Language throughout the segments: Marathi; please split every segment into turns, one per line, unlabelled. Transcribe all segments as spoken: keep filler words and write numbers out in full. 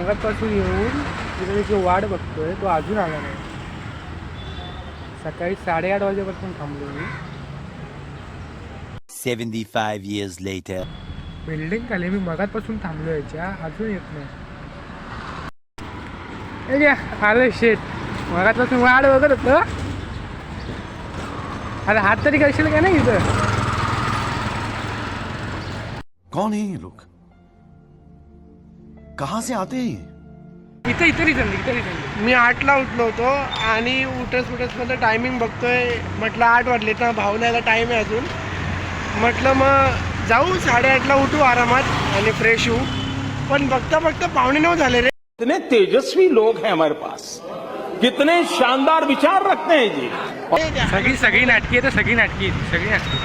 मगापासून येऊन तिथे त्याची वाट बघतोय, तो अजून आला नाही. सकाळी साडेआठ वाजेपासून थांबलो मी.
seventy-five years later.
बिल्डिंग खाली मी मगापासून थांबलो याच्या, अजून येत नाही. आलं शेट, मगापासून वाट बघत होतं. अरे हात तरी करशील का नाही इथं?
कौन है ये लोग? कहाँ से आते हैं?
इथं इथं रिझन इथं रिझन
मी आठला उठलो होतो आणि उठस उठस मध्ये टायमिंग बघतोय. म्हटलं आठ वाजले तर भाऊला यायला टाईम आहे अजून. म्हटलं मग जाऊ साडेआठला उठू आरामात आणि फ्रेश होऊ. पण बघता बघता पावणे नऊ झाले रे.
कितने तेजस्वी लोग हैं हमारे पास, कितने शानदार विचार रखते हैं जी.
सगळी सगळी नाटकी आहे तर सगळी नाटकी सगळी नाटकी.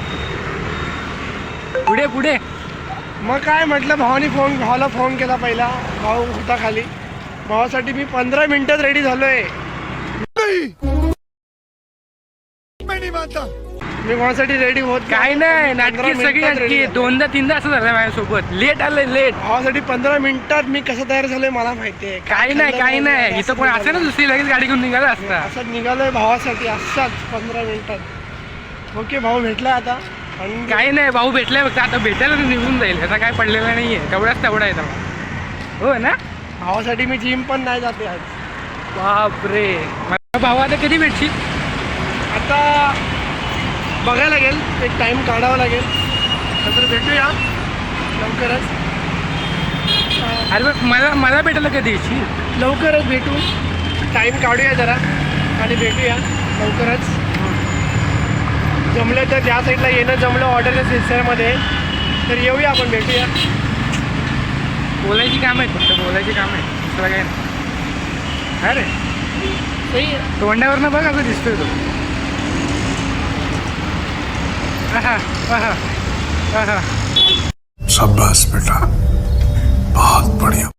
पुढे पुढे
मग काय म्हटलं, भावानी फोन भावाला फोन केला पहिला. भाऊ होता खाली. भावासाठी मी पंधरा मिनिटात रेडी झालोय. मी भावासाठी रेडी होत
काय नाही, नाटकी सगळी नाटकी. दोनदा तीनदा असं झालं माझ्यासोबत. लेट आलंय लेट.
भावासाठी पंधरा मिनिटात मी कसं तयार झालोय मला माहितीये.
काही नाही काही नाही, इथं कोण असं ना दुसरी लगेच गाडी घेऊन निघाला असता.
असं निघालोय भावासाठी असाच पंधरा मिनिटात. ओके भाऊ भेटला आता. आणि
काही नाही, भाऊ भेटलाय फक्त. आता भेटायला तर निघून जाईल, ह्याचा काय पडलेला नाहीये. तेवढाच तेवढा आहे तेव्हा. हो ना.
भावासाठी मी जिम पण नाही जाते आज.
बापरे. मला भाऊ आता कधी भेटशील?
आता बघायला लागेल, एक टाइम काढावा लागेल. नंतर भेटूया लवकरच.
अरे बघ, मला मला भेटायला कधी येशील?
लवकरच भेटू. टाइम काढूया जरा आणि भेटूया लवकरच. जमलं तर त्या साईडला येणं जमलं ऑर्डरच्या सिलसिल्यामध्ये तर येऊया आपण, भेटूया.
बोलायची काम आहेत, फक्त बोलायची काम आहे, दुसरं काय नाही. अरे
सही आहे.
तोंडावरनं बघ असं दिसतोय तो. आहा आहा आहा.
शाबाश बेटा, बहुत बढ़िया.